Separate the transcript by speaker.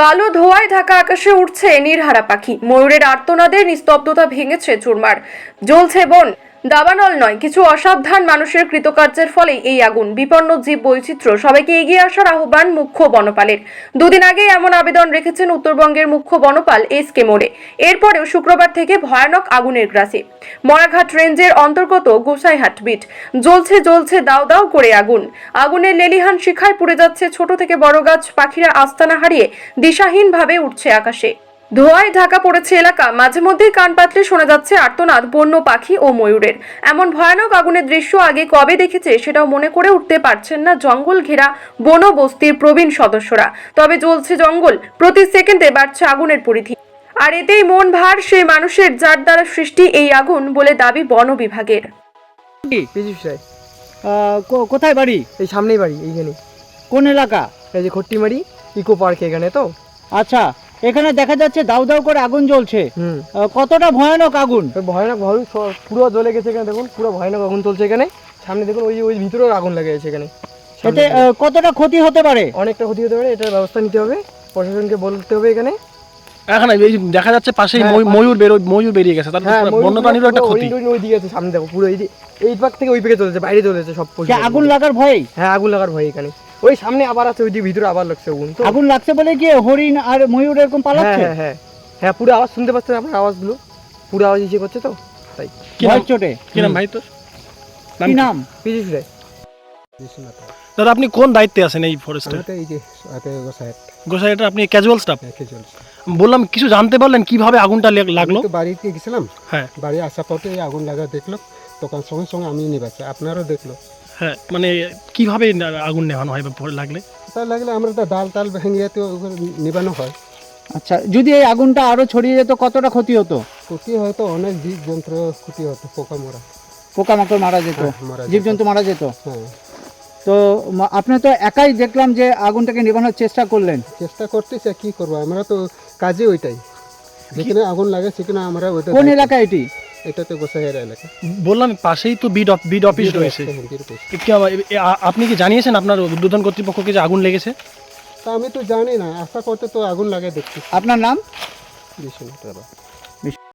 Speaker 1: কালো ধোঁয়ায় ঢাকা আকাশে উঠছে নীরহারা পাখি। ময়ূরের আর্তনাদে নিস্তব্ধতা ভেঙেছে চুরমার। জ্বলছে বন, দাবানল নয়, কিছু অসাবধান মানুষের কৃতকার্যের ফলেই এই আগুন। বিপন্ন জীব বৈচিত্র্য, সবাইকে এগিয়ে আসার আহ্বান মুখ্য বনপালের। দুদিন আগে এমন আবেদন রেখেছেন উত্তরবঙ্গের মুখ্য বনপাল এস.কে. মোরে। এরপরেও শুক্রবার থেকে ভয়ানক আগুনের গ্রাসে মরাঘাট রেঞ্জের অন্তর্গত গোসাইহাট বিট। জ্বলছে জ্বলছে দাও দাও করে আগুন। আগুনের লেলিহান শিখায় পুড়ে যাচ্ছে ছোট থেকে বড় গাছ। পাখিরা আস্তানা হারিয়ে দিশাহীনভাবে উঠছে আকাশে। ধোঁয়ায় ঢাকা পড়েছে এলাকা। মাঝে মধ্যেই কান পাতলে শোনা যাচ্ছে আর্তনাদ বন্য পাখি ও ময়ূরের। এমন ভয়ানক আগুনের দৃশ্য আগে কবে দেখেছে সেটাও মনে করে উঠতে পারছেন না জঙ্গল ঘেরা বনবস্তির প্রবীণ সদস্যরা। তবে জ্বলছে জঙ্গল, প্রতি সেকেন্ডে বাড়ছে আগুনের পরিধি। আর এতেই মন ভার সেই মানুষের যার দ্বারা সৃষ্টি এই আগুন বলে দাবি বন বিভাগের।
Speaker 2: কোথায় বাড়ি?
Speaker 3: এই সামনেই বাড়ি, এইখানে।
Speaker 2: কোন এলাকা?
Speaker 3: এই যে খট্টিমারি ইকো পার্ক, এখানে তো।
Speaker 2: আচ্ছা, এখানে দেখা যাচ্ছে দাউ দাউ করে আগুন জ্বলছে। কতটা ভয়ানক আগুন?
Speaker 3: ভয়ানক পুরো জ্বলে গেছে এখানে, দেখুন পুরো ভয়ানক আগুন চলছে এখানে। সামনে দেখুন, ওই ভিতরেও আগুন লেগে গেছে এখানে।
Speaker 2: এতে কতটা ক্ষতি হতে পারে?
Speaker 3: অনেকটা ক্ষতি হতে পারে, এটার ব্যবস্থা নিতে হবে, প্রশাসনকে বলতে হবে এখানে।
Speaker 4: এখানে এই দেখা যাচ্ছে পাশেই ময়ূর বেরিয়ে গেছে, তার বন্যপ্রাণীরও একটা ক্ষতি।
Speaker 3: ওই দিকে আছে, সামনে দেখো পুরো এই পাক থেকে ওই দিকে চলেছে, বাইরে চলেছে সব।
Speaker 2: আগুন লাগার ভয়?
Speaker 3: হ্যাঁ, আগুন লাগার ভয় এখানে। ওই সামনে আবার আছে, ওই দিকে ভিতরে আবার লাগছে আগুন। তো
Speaker 2: আগুন লাগছে বলে কি হরিণ আর ময়ূর এরকম পালাচ্ছে?
Speaker 3: হ্যাঁ হ্যাঁ হ্যাঁ, পুরো আওয়াজ শুনতে পাচ্ছেন আপনার, আওয়াজগুলো পুরো আওয়াজ ইসে করছে তো, তাই।
Speaker 2: ভয় চোটে।
Speaker 4: কি নাম ভাই তোর?
Speaker 2: কি নাম?
Speaker 3: পিজিস রায়।
Speaker 4: দাদা, আপনি কোন দায়িত্বে আছেন এই ফরেস্টে?
Speaker 5: এই যে
Speaker 4: গোসাইটা আপনি ক্যাজুয়াল স্টাফ? বললাম, কিছু জানতে পারলেন কিভাবে আগুনটা লাগলো?
Speaker 5: তো বাড়িতে গেছিলাম,
Speaker 4: হ্যাঁ,
Speaker 5: বাড়ি আসার পথে এই আগুন লাগা দেখলো, তখন সঙ্গে সঙ্গে আমি নিবাচ্ছি, আপনারও দেখলো।
Speaker 4: হ্যাঁ, মানে কিভাবে আগুন নেভানো হয় বা লাগলে?
Speaker 5: তার লাগলে আমরা তো ডাল টাল ভেঙে তো নিবানো হয়।
Speaker 2: আচ্ছা, যদি এই আগুনটা আরো ছড়িয়ে যেত কতটা ক্ষতি হতো?
Speaker 5: ক্ষতি হয়তো অনেক জীব জন্তু ক্ষতি হতো,
Speaker 2: পোকামাকড় মারা যেত,
Speaker 5: মারা যেত।
Speaker 2: জীবজন্তু মারা যেত।
Speaker 5: হ্যাঁ,
Speaker 2: তো আপনি তো একাই দেখলাম যে আগুনটাকে নেভানোর চেষ্টা করলেন।
Speaker 5: চেষ্টা করতেছে, কি করবো, আমরা তো কাজে ওইটাই, যেখানে আগুন লাগে সেখানে আমরা ওইটা।
Speaker 2: কোন এলাকা এটি?
Speaker 5: এটা তো গোসাইয়ের এলাকা।
Speaker 4: বললাম, পাশেই তো বিড অফিস রয়েছে। আপনি কি জানিয়েছেন আপনার উদ্বোধন কর্তৃপক্ষকে যে আগুন লেগেছে?
Speaker 5: তা আমি তো জানি না, আশা করতে তো আগুন লাগে দেখছি।
Speaker 2: আপনার নাম?
Speaker 5: বিশ্বনাথ রায়।